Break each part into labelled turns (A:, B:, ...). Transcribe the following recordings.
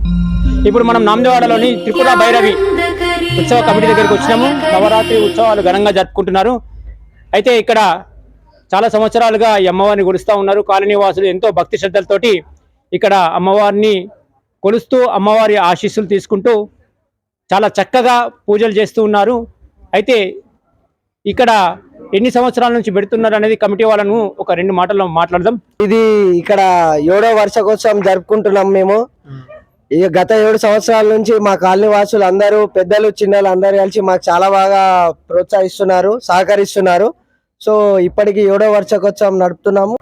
A: ఇప్పుడు మనం నామదేవాడలోని త్రిపుర భైరవి ఉత్సవ కమిటీ దగ్గరికి వచ్చినాము. నవరాత్రి ఉత్సవాలు ఘనంగా జరుపుకుంటున్నారు. అయితే ఇక్కడ చాలా సంవత్సరాలుగా ఈ అమ్మవారిని కొలుస్తూ ఉన్నారు. కాలనీ వాసులు ఎంతో భక్తి శ్రద్ధలతోటి ఇక్కడ అమ్మవారిని కొలుస్తూ అమ్మవారి ఆశీస్సులు తీసుకుంటూ చాలా చక్కగా పూజలు చేస్తూ ఉన్నారు. అయితే ఇక్కడ ఎన్ని సంవత్సరాల నుంచి పెడుతున్నారు అనేది కమిటీ వాళ్ళను ఒక 2 మాటల్లో మాట్లాడదాం.
B: ఇది ఇక్కడ 7వ వార్షికోత్సవం జరుపుకుంటున్నాం మేము. ఇక గత 7 సంవత్సరాల నుంచి మా కాలనీ వాసులు అందరూ పెద్దలు చిన్నలు అందరూ కలిసి మాకు చాలా బాగా ప్రోత్సహిస్తున్నారు, సహకరిస్తున్నారు. సో ఇప్పటికి 7వ వార్షికోత్సవం నడుపుతున్నాము.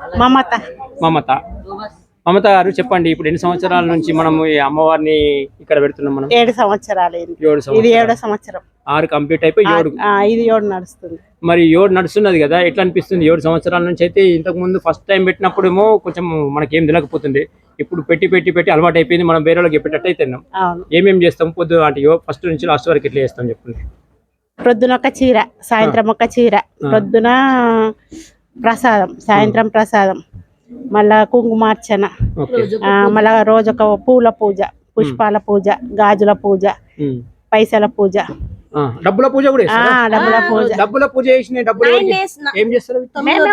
A: మమత గారు చెప్పండి, ఇప్పుడు ఎన్ని సంవత్సరాల నుంచి మనము ఈ అమ్మవారిని ఇక్కడ పెడుతున్నాం? మనం
C: 7 సంవత్సరాలు. ఇది 7వ సంవత్సరం.
A: 6 కంప్లీట్ అయిపోయి 7
C: ఇది 7 నడుస్తుంది.
A: మరి 7 నడుస్తున్నది కదా, ఎట్లా అనిపిస్తుంది? 7 సంవత్సరాల నుంచి అయితే ఇంతకు ముందు ఫస్ట్ టైం పెట్టినప్పుడేమో కొంచెం మనకేం తెలియకపోతుంది. ఇప్పుడు పెట్టి అలవాటు అయిపోయింది. మనం వేరే వాళ్ళకి చెప్పేటట్టు అయితే ఏమేమి చేస్తాం? పొద్దు అంటే ఫస్ట్ నుంచి లాస్ట్ వరకు ఎట్లా చేస్తాం చెప్పండి.
C: ప్రొద్దున ఒక చీర, సాయంత్రం ఒక చీర, ప్రొద్దున ప్రసాదం, సాయంత్రం ప్రసాదం, మళ్ళా కుంకుమార్చన, మళ్ళా రోజొక పూల పూజ, పుష్పాల పూజ, గాజుల పూజ, పైసల పూజ,
A: డబ్బుల పూజ కూడా. డబ్బుల పూజ చేసిన డబ్బులు ఏం చేస్తారు?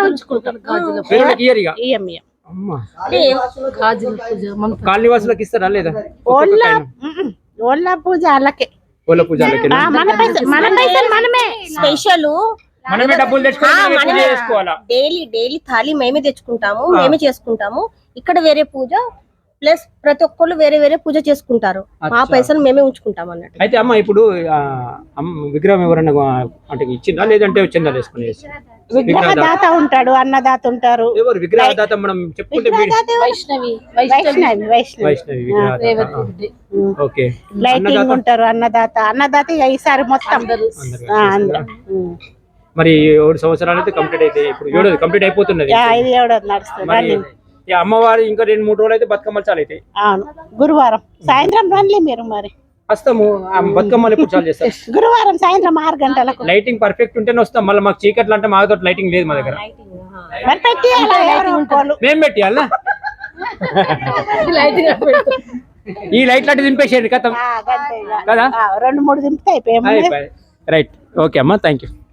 A: కాలనీ వాసులకు ఇస్తారా లేదా?
C: ఓళ్ళ పూజ అలాగే
D: డైలీ థాలి మేమే తెచ్చుకుంటాము, మేమే చేసుకుంటాము. ఇక్కడ వేరే పూజ ప్లస్ ప్రతి ఒక్కళ్ళు వేరే వేరే పూజ చేసుకుంటారు. ఆ పైసలు మేమే ఉంచుకుంటాం అన్నట్టు.
A: అయితే అమ్మ ఇప్పుడు విగ్రహం ఎవరన్నా అంటే ఇచ్చిందా లేదంటే చందా వేసుకుని?
C: విగ్రహదాత ఉంటాడు, అన్నదాత ఉంటారు.
A: ఎవరు విగ్రహదాత? మనం చెప్పుకుంటే
C: లైటింగ్ ఉంటారు అన్నదాత. అన్నదాత ఈసారి మొత్తం
A: మరి 7 సంవత్సరాలు అయితే కంప్లీట్ అయితే ఇప్పుడు 7 కంప్లీట్ అయిపోతున్నది. అమ్మవారి ఇంకా 2-3 రోజులు అయితే బతుకమ్మలు చాలు అయితే.
C: గురువారం సాయంత్రం రండి మీరు. మరి
A: వస్తాము. బతుకమ్మలు ఎప్పుడు చాలు చేస్తాం?
C: గురువారం సాయంత్రం 6 గంటలకు.
A: లైటింగ్ పర్ఫెక్ట్ ఉంటేనే వస్తాం. మళ్ళీ మాకు చీకట్లు అంటే మాకు లైటింగ్ లేదు మా దగ్గర. మేము పెట్టియాలా? ఈ లైట్ లాంటి దింపేసేయండి కదా. 2-3 దింపితే అయిపోయాయి. రైట్, ఓకే అమ్మా, థ్యాంక్ యూ.